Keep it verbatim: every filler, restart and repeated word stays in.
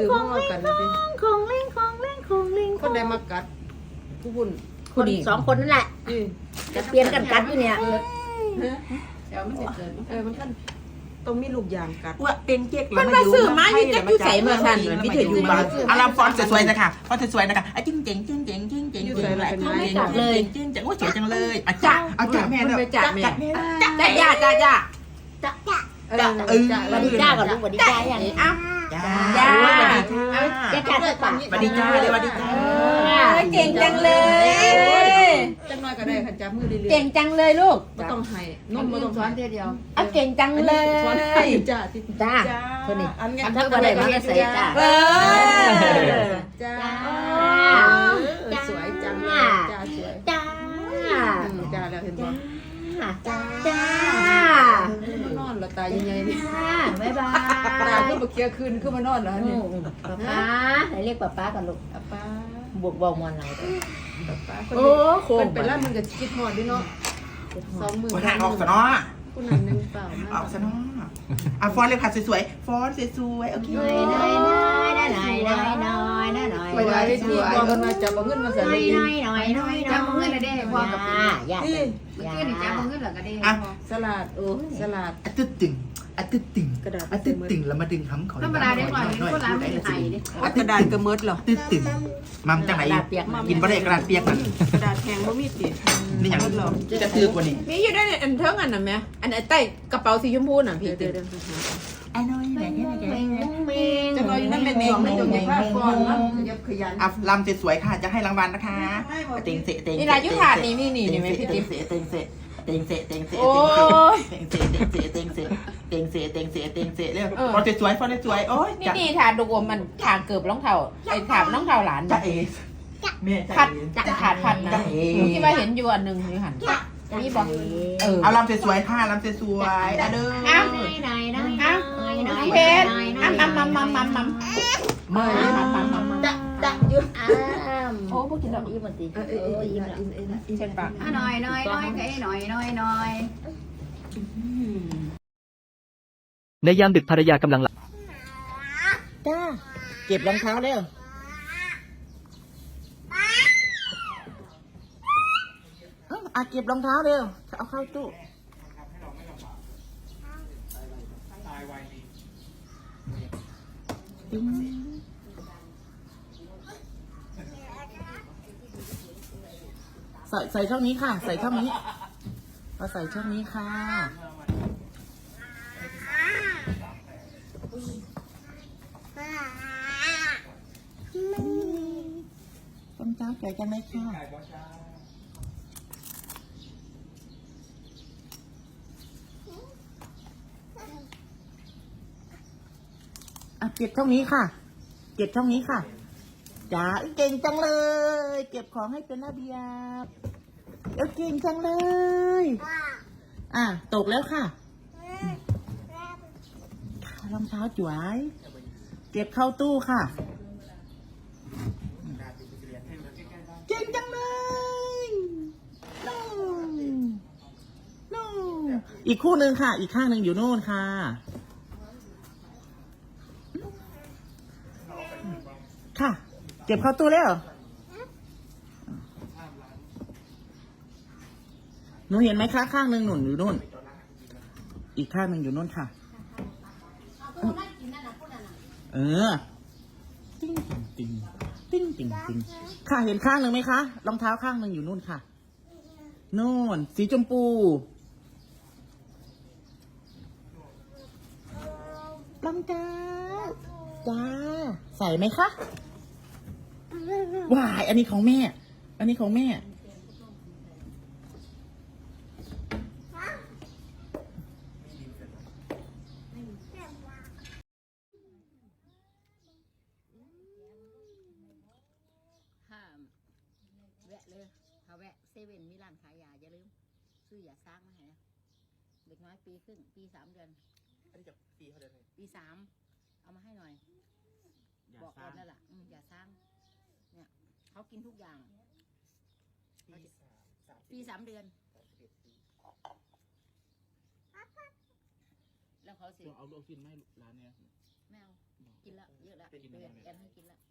ของเล่นของเล่นของเล่นของเล่นคนใดมากัดผู้บุญคนสองคนนั่นแหละจะเปลี่ยนกันกัดอยู่เนี่ยเดี๋ยวมันจะเกิดเออมันขั้นต้องมีลูกยางกัดว่าเป็นเจ๊กมันมาสื่อมาอยู่จะอยู่ใส่เมื่อทันพี่เถิดอยู่บ้านอาราฟอนสวยๆนะคะฟอนสวยๆนะคะจิ้งเจ๋งจิ้งเจ๋งจิ้งเจ๋งจิ้งเจ๋งเลยจิ้งเจ๋งว่าสวยจังเลยอาจ่าอาจ่าแม่เด้อจ่าแม่จ่าจ่าจ่าจ่าจ่าจ่าเออวันดีจ้าก่อนลูกวันดีจ้าอย่างนี้อ้าวจ้าจ้าจ้าจ้าจ้าป่ะวันดีจ้าเลยวันดีจ้าเก่งจังเลยจังน้อยก็ได้ค่ะจับมือเรื่อยๆเก่งจังเลยลูกไม่ต้องให้นมไม่ต้องสอนเดียวเอาเก่งจังเลยสอนให้จ้าจ้าคนนี้อันนี้ทำอะไรก็ใส่จ้าเออจ้าสวยจังเลยจ้าสวยจ้าจ้าแล้วเห็นบ่จ้าจ้านอนแล้วตาใหญ่ๆนี่บ๊ายบายตาคือบ่เคี้ยวคืนคือมานอนแล้วนี่ป๊าป๊าไหนเรียกป๊าป๊ากันลูกป๊าบวกบอกมอนไหนป๊าโอ้โหเป็นแล้วมันก็คิดฮอดด้วยเนาะสองมือคนห่างออกซะเนาะคนนั้นนึงเปล่าออกซะเนาะอ่ะฟอนเลยค่ะสวยๆฟอนสวยๆโอเคน้อยน้อยน้อยน้อยน้อยน้อยน้อยน้อยไปได้ที่บอกกันมาจับเอาเงินมาใส่เลยน้อยน้อยน้อยจับเอาเงินอะไรได้พ่อกับพี่นี่เมื่อกี้นี่จับเอาเงินเหรอก็ได้พ่อสลัดโอ้สลัดอะตึ๊ดตึงอะตึ๊ดตึงกระดาษอะตึ๊ดตึงแล้วมาดึงคำขอธรรมดาได้หน่อยคนร้านไม่ไทยดิกระดาษกระเมิดเหรอตึ๊ดตึงมัมจังไหนกินบะเรกระดาษเปียกมันกระดาษแข็งบ่มีตินี่อย่างจะคือกว่านี้มีอยู่ได้อันเท่ากันน่ะแม่อันใต้กระเป๋าสีชมพูน่ะพี่เดี๋ยวไอ้น้อยไหนเนี่ยไหนจะรออยู่นั่นเป็นสองในจงใหญ่ภาพก่อนนะขยันอ่ะลำสวยๆค่ะจะให้รางวัลนะคะเต็งเสะเต็งนี่รายุถาดนี้มีนี่นี่ไหมพี่ติ๊กเสะเต็งเสะเต็งเสะเต็งเสะโอ้ยเต็งเสะเต็งเสะเต็งเสะเต็งเสะเต็งเสะเต็งเสะเร็วฟอนสวยฟอนสวยโอ้ยนี่นี่ถาดดูมันถาดเกือบรองเท้าไอ้ถาดรองเท้าหลานจ้าเอ๋แม่พัดจะถาดพัดนะที่ว่าเห็นอยู่อันหนึ่งนี่หันนี่บอกเออเอาลำสวยๆค่ะลำสวยๆอ่ะเด้ออ้าวน้อยน้อยน้อยน้อยเพชรอ้ำอ้ำอ้ำอ้ำอ้ำอ้ำไม่อ้ำอ้ำอ้ำจะจะอยู่อ้ามโอ้พวกกินแล้วอิ่มตีเออเอออิ่มละอิ่มอิ่มอิ่มเช่นปากหน่อยหน่อยหน่อยก็ไอ้หน่อยหน่อยหน่อยในยามดึกภรรยากำลังหลับจ้าเก็บรองเท้าเร็วอ่ะเก็บรองเท้าเร็วเอาเข้าตู้ใส่ใส่ช่องนี้ค่ะใส่ช่องนี้เอาใส่ช่องนี้ค่ะต้นเจ้าสวยจังเลยค่ะอ่ะเก็บช่องนี้ค่ะเก็บช่องนี้ค่ะจ๋าเก่งจังเลยเก็บของให้เป็นระเบียบเดี๋ยวเก่งจังเลยอ่ะตกแล้วค่ะรองเท้าจ๋วยเก็บเข้าตู้ค่ะเก่งจังเลยนู่นนู่นอีกคู่หนึ่งค่ะอีกข้างหนึ่งอยู่โน่นค่ะค่ะเก็บเข้าตู้แล้วหนูเห็นไหมคะข้างหนึ่งหนุนอยู่นู่นอีกข้างหนึ่งอยู่นู่นค่ะเออติ้งติ้งติ้งติ้งติ้งค่ะเห็นข้างหนึ่งไหมคะรองเท้าข้างหนึ่งอยู่นู่นค่ะนู่นสีชมพูรองเท้าจ้าใส่ไหมคะว้ายอันนี้ของแม่อันนี้ของแม่แวะเลยเขาแวะเซเว่นมีร้านขายยาอย่าลืมซื้อยาสร้างมาให้นะเด็กน้อยปีครึ่งปีสามเดือนอันนี้จะปีเท่าเดิมปีสามเอามาให้หน่อยบอกก่อนนั่นแหละยาสร้างเนี่ยเขากินทุกอย่างปีสามเดือนแล้วเขาสิเอาลูกกินไหมร้านเนี้ยไม่เอากินแล้วเยอะแล้วเป็นเดือนแอนให้กินละ